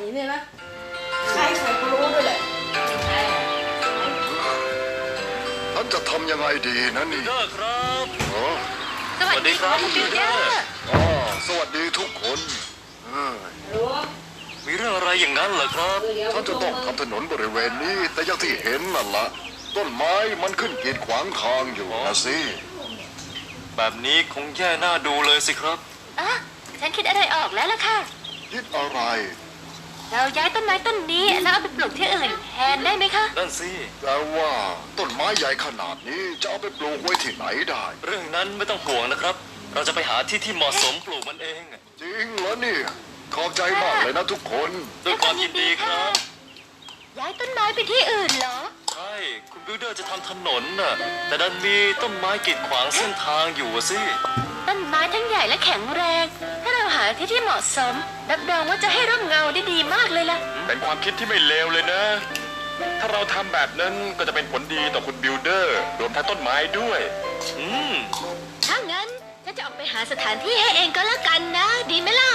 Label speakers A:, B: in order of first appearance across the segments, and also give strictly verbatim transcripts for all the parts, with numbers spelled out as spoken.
A: เนี่ยนะใครใครก็รู้ด้วยแหละ
B: ท่านจะทำยังไงดีนะนี่
C: บิลเดอร์ครับ
D: สวัสดีครับคุณบิลเดอร์
B: อ๋อสวัสดีทุกคน
C: มีเรื่องอะไรอย่างนั้นเหรอครับ
B: ท่านจะต้องทำถนนบริเวณนี้แต่อย่างที่เห็นนั่นละต้นไม้มันขึ้นกีดขวางทางอยู่นะสิ
C: แบบนี้คงแย่หน้าดูเลยสิครับ
D: อ่ะฉันคิดอะไรออกแล้วล่ะค่ะ
B: คิดอะไร
D: เราย้ายต้นไม้ต้นนี้แล้วเอาไปปลูกที่อื่นแทนได้ไหมคะ
C: นั่นสิ
B: แต่ว่าต้นไม้ใหญ่ขนาดนี้จะเอาไปปลูกไว้ที่ไหนได้
C: เรื่องนั้นไม่ต้องห่วงนะครับเราจะไปหาที่ที่เหมาะสมปลูกมันเอง
B: จริงเหรอนี่ขอบใจมากเลยนะทุกคน
C: ด้วยความยินดีครับ
D: ย้ายต้นไม้ไปที่อื่นเหรอ
C: ใช่คุณบิลเดอร์จะทำถนนน่ะแต่ดันมีต้นไม้กีดขวางเส้นทางอยู่สิ
D: ต้นไม้ทั้งใหญ่และแข็งแรงถ้าเราหาที่ที่เหมาะสมรับรองว่าจะให้ร่มเงาได้ดีมากเลยล่ะ
E: เป็นความคิดที่ไม่เลวเลยนะถ้าเราทำแบบนั้นก็จะเป็นผลดีต่อคุณบิลเดอร์รวมทั้งต้นไม้ด้วย
C: อืม
D: ถ้างั้นฉันจะออกไปหาสถานที่ให้เองก็แล้วกันนะดีไหมล่ะ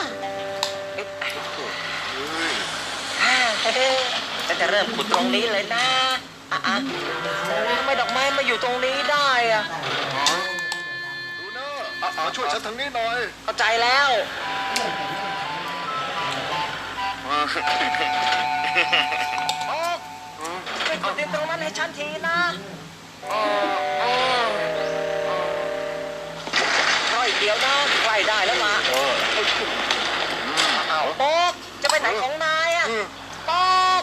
F: ฉันจะเริ่มขุดตรงนี้เลยนะอ่ะอ่ะทำไมดอกไม้มาอยู่ตรงนี้ได้อ่ะ
B: ดูนะอ่ะช่วยฉันทางนี้หน่อย
F: เข้าใจแล้วไปขุดดินตรงนั้นให้ฉันทีนะรออีกเดียวนะใกล้ได้แล้วมาอ้าวโป๊กจะไปไหนของนายอ่ะป๊อก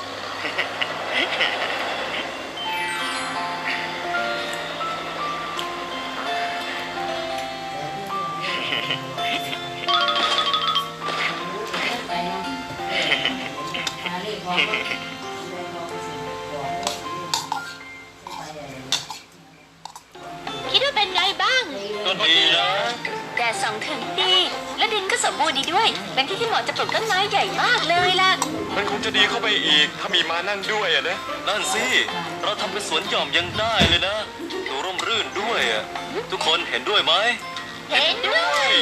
D: คิดว่าเป็นไงบ้าง
C: ก็ดีนะ
D: แดดส่องถึงดีและดินก็สมบูรณ์ดีด้วยเป็นที่ที่เหมาะจะปลูกต้นไม้ใหญ่มากเลยล่ะ
E: มันคงจะดีเข้าไปอีกถ้ามีม้านั่งด้วยอะนะ
C: นั่นสิเราทำเป็นสวนหย่อมยังได้เลยนะดูร่มรื่นด้วยอ่ะทุกคนเห็นด้วยไหม
D: เห็นด้วย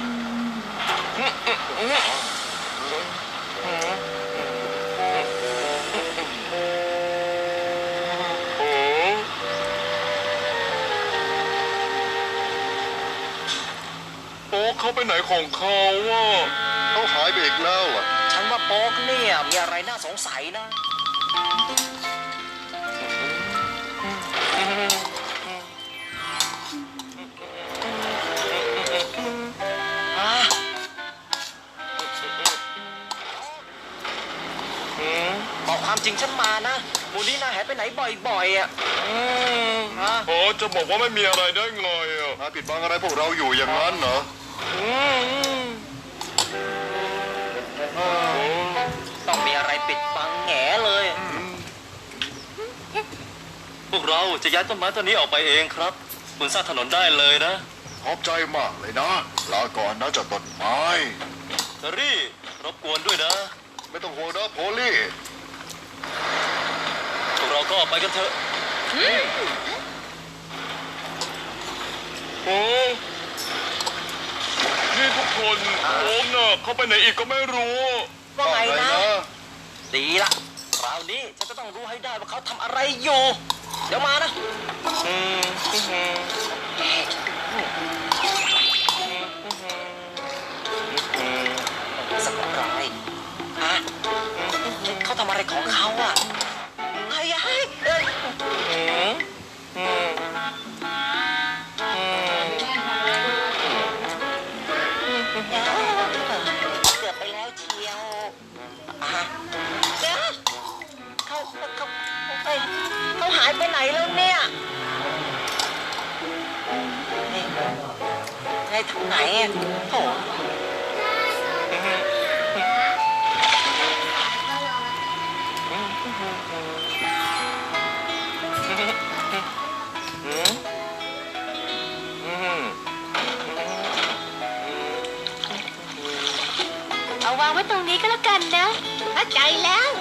E: โป๊กเขาไปไหนของเขาวะ
B: เขาหายไปอีกแล้วอ่ะ
F: ฉันว่าโป๊กเนี่ยมีอะไรน่าสงสัยนะบอกความจริงฉันมานะมูนี่นาหายไปไหนบ่อยๆอ่ะ
E: โอ้จะบอกว่าไม่มีอะไรได้ไงอ่ะ
B: มาปิดบังอะไรพวกเราอยู่อย่างนั้นเหรอ
F: ต้องมีอะไรปิดบังแง่เลย
C: พวกเราจะย้ายต้นไม้ต้นนี้ออกไปเองครับคุณสร้างถนนได้เลยนะ
B: ขอบใจมากเลยนะลาก่อนนะเจ้าต้นไม้
C: เทอรี่รบกวนด้วยนะ
B: ไม่ต้องห่วงนะโพลี่
C: พวกเราก็ไปกันเถอะ
E: โอ้นี่ทุกคนโอมน่ะเขาไปไหนอีกก็ไม่รู้
F: ว่าไงนะดีละคราวนี้ฉันจะต้องรู้ให้ได้ว่าเขาทำอะไรอยู่เดี๋ยวมานะสักรายฮะเขาทำอะไรของเขาอ่ะเฮ้ยเฮ้ยเอ้ยเกือบไปแล้วเชียวอ่ะเดี๋ยวเขาเขาเฮ้ยเขาหายไปไหนแล้วเนี่ยไอ้ทางไหนอ่ะโถ่
D: เอาวางไว้ตรงนี้ก็แล้วกันนะเข้าใจแล้ว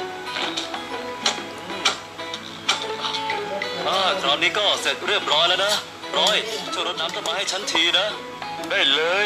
C: อ่าคราวนี้ก็เสร็จเรียบร้อยแล้วนะร้อยช่วยรดน้ำต้นไม้ให้ฉันทีนะ
E: ได้เลย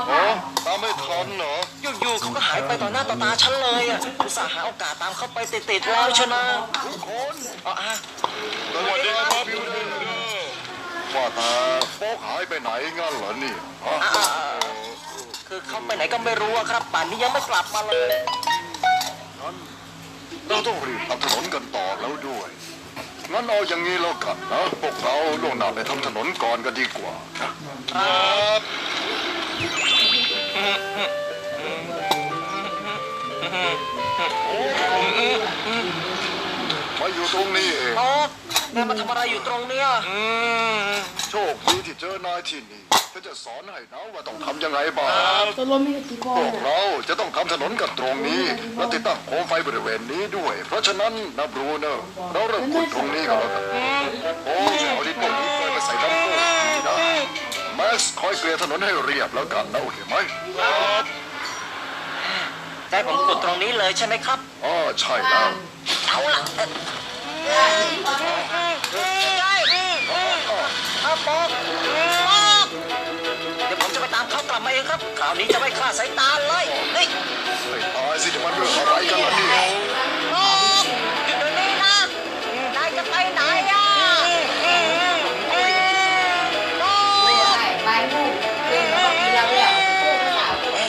B: อ๋อตามไม่ทันเหรอ
F: อยู่ๆเขาก็หายไปต่อหน้าต่อตาฉันเลยอ่ะอุตส่าห์หาโอกาสตามเข้าไปติดๆแล้วชนะทุกคนอ๋ออ่ะ
B: สวัสดีครับบิวเดอร์ว่าแต่โป๊กหายไปไหนงั้นเหรอนี่ฮะ
F: อ่ะอ่ะอ่ะคือเขาไปไหนก็ไม่รู้อะครับป่านนี้ยังไม่กลับมาเลย
B: งั้นเราต้องรีบทำถนนกันต่อแล้วด้วย งั้นเอาอย่างนี้แล้วกันนะ พวกเราล่วงหน้าไปทำถนนก่อนก็ดีกว่านะครับมาอยู่ตรงนี้เอง
F: โอ๊ตแม่มาทำอะไรอยู่ตรงเนี้ย
B: โชคดีที่เจอนายที่นี่ก็จะสอนให้นะว่าต้องทำยังไงบ้าง
A: ตัวลมมีกี่บอ
B: พ
A: ล
B: วกเราจะต้องทำถนนกันตรงนี้ และติดตั้งโคมไฟบริเวณนี้ด้วย เพราะฉะนั้นนะบรูเนอร์เราเริ่มขุดตรงนี้กันแล้วกันโอ้ยเอาดินพวกนี้ไปใส่น้ำโค้งนี่นะแม็กซ์คอยเกลี่ยถนนให้เรียบแล้วกันนะโอเคไหม
F: ใจผมกดตรงนี้เลยใช่ไหมครับ
B: อ๋อใช่แล้ว
F: เอาล่ะเอ่อเอาบอกบอกเดี๋ยวผมจะไปตามเขากลับมาเองครับคราวนี้จะไม่คลาดสายตาเลยเฮ้ย
B: ไม่ตายสิจะมันเรื่องอะไรกันล่ะเนี่ย
F: บอกอยู่ตรงนี้นะนายจะไปไหนอ่ะบอก
A: ไปนู่นเรื่องของมีเราแล้วพวกสาวตัว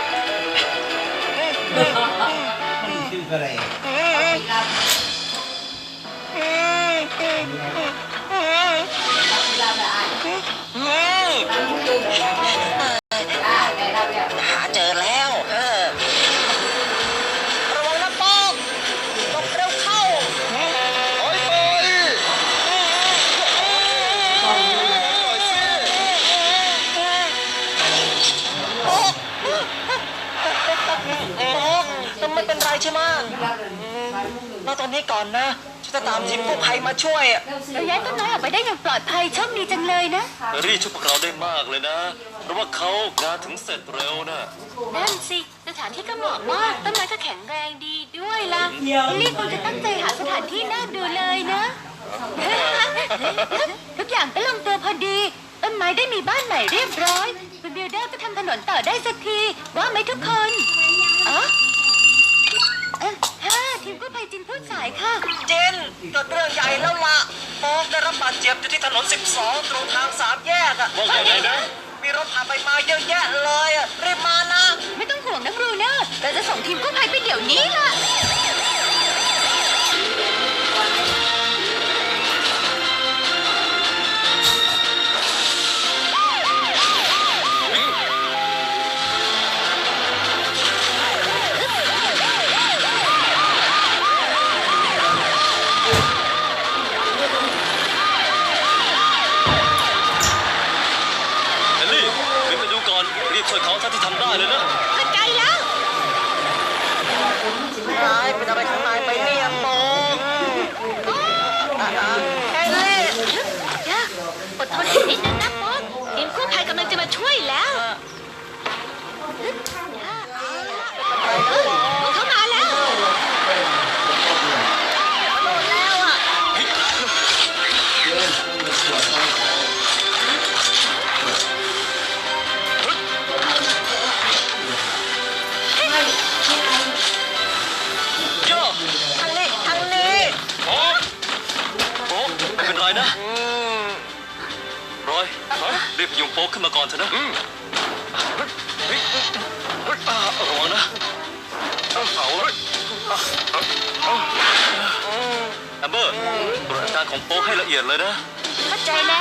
G: ชื่ออะไร
A: เราเราได้ตั้งชื่ออ่าแต่เราแล้ว
F: หาเจอแล้วเออระวังนะบอกบอกเร็วเข้า
B: ถอยไป
F: ต้องไม่เป็นไรใช่ไหมเราตอนนี้ก่อนนะฉันจะตามทีมกู้ภัยมาช่วยอะ
D: เราย้ายต้นไม้ออกไปได้อย่างปลอดภัยโชคดีจังเลยนะ
C: เฮอร์รี่ช่วยพวกเราได้มากเลยนะ เพราะว่าเขางานถึงเสร็จเร็วนะ
D: นั่นสิสถานที่ก็เหมาะมากต้นไม้ก็แข็งแรงดีด้วยล่ะลิลลี่คงจะตั้งใจหาสถานที่น่าดูเลยนะ ทุกอย่างก็ลงตัวพอดี ต้นไม้ได้มีบ้านใหม่เรียบร้อยคุณบิลเดอร์ก็ทำถนนต่อได้สักทีว่าไหมทุกคนอ๋อเอ้อฮ่าทีมกู้ภัยจินพูดสายค่ะ
F: เจนเกิดเรื่องใหญ่แล้วล่ะโป๊กได้รับบาดเจ็บอยู่ที่ถนนสิบสองตรงทางสามแยกอะ
C: ว่าไงนะ
F: มีรถผ่านไปมาเยอะแยะเลยอะรีบมานะ
D: ไม่ต้องห่วงนะบรูเนอร์เราจะส่งทีมกู้ภัยไปเดี๋ยวนี้ล่ะ
C: เฮนรี่รีบไปดูก่อน รีบช่วยเขาเท่าที่ทำได้เลยนะ
D: เข้าใจแล้ว
F: นายเป็นอะไรของนายไปเนี่ยโป๊กเฮนรี่
D: จ้าอดทนอีกนิดนึงนะป๊อกทีมกู้ภัยกำลังจะมาช่วยแล้วพวกเขามาแล้ว
F: โดนแล้วอะ
C: ย่า
F: ทางนี้ทางนี้
C: โอ๊ะโป๊กไม่เป็นไรนะรอยรีบพยุงโป๊กขึ้นมาก่อนเถอะนะเฮ้ยอ่าระวังนะเอาเลยแอมเบอร์ตรวจอาการของโป๊กให้ละเอียดเลยนะ
D: เข้าใจแล้ว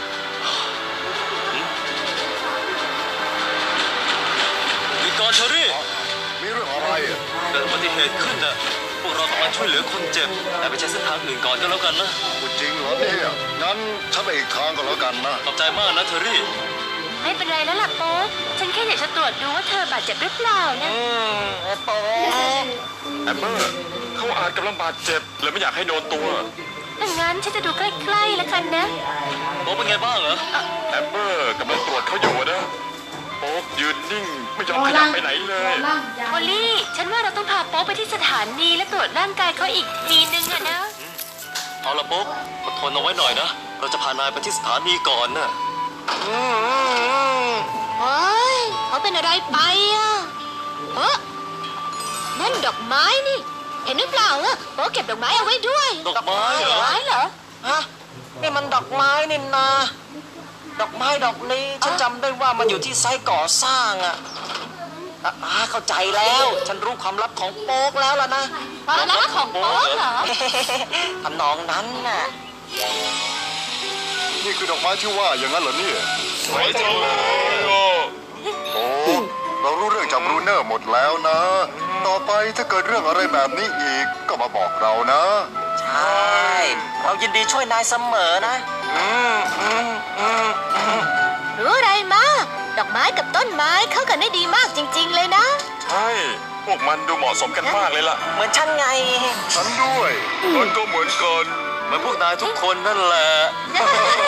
C: หยุดก่อนเชอรี่
B: มีเรื่องอะไรอ่ะ
C: เกิดอุบัติเหตุขึ้นน่ะ พวกเราต้องมาช่วยเหลือคนเจ็บ แต่ไปใช้เส้นทางอื่นก่อนก็แล้วกันนะ
B: พูดจริงเหรอเนี่ยงั้นฉันไปอีกทางก็แล้วกันนะ
C: ขอบใจมากนะเทอรี่
D: ไม่เป็นไรแล้วล่ะโป๊กฉันแค่อยากจะตรวจดูว่าเธอบาดเจ็บหรือเปล่านะ
F: อืมโป๊ก
E: แอมเบอร์เขาอาจกำลังบาดเจ็บเลยไม่อยากให้โดนตัว
D: ดังนั้นฉันจะดูใกล้ๆแล้วกันนะ
C: โป๊กเป็นไงบ้างเหรอ
E: แอมเบอร์กำลังตรวจเขาอยู่นะโป๊กยืนนิ่งไม่ยอมขยับไปไหนเลย
D: โอลี่ ฉันว่าเราต้องพาโป๊กไปที่สถานีและตรวจร่างกายเขาอีกทีนึงอะนะ
C: เอาละโป๊กอดทนเอาไว้หน่อยนะ เราจะพานายไปที่สถานีก่อนน่ะ
F: เฮ้ยเขา
D: เป็นอะไรไปอ่ะเออนั่นดอกไม้นี่ เห็นหรือเปล่าอ่ะโป๊เก็บดอกไม้เอาไว้ด้วย
C: ดอกไม้เหรอ
D: ไม้เหรอ
F: ฮะนี่มันดอกไม้นี่นา ดอกไม้ดอกนี้ฉันจำได้ว่ามันอยู่ที่ไซต์ก่อสร้างอะอ่ะอ่าเข้าใจแล้ว ฉันรู้ความลับของโป๊กแล้วล่ะนะ
D: ความลับของโป๊เหรอ
F: ทำนองนั้นน่ะ
B: นี่คือดอกไม้ที่ว่าอย่างนั้นเหรอเนี่ย
E: สวยจังเลยโอ้
B: โอ้เรารู้เรื่องจากบรูเนอร์หมดแล้วนะ ต่อไปถ้าเกิดเรื่องอะไรแบบนี้อีกก็มาบอกเรานะ
F: ใช่ เรายินดีช่วยนายเสมอนะ อืมอืมอืมอืม
D: รู้อะไรมาดอกไม้กับต้นไม้เข้ากันได้ดีมากจริง ๆ เลยนะ
E: ใช่ พวกมันดูเหมาะสมกันมากเลยล่ะ
F: เหมือนฉันไง
B: ฉันด้วย
E: มันก็เหมือนกัน
C: เหมือนพวกนายทุกคนนั่นแหละ
D: เ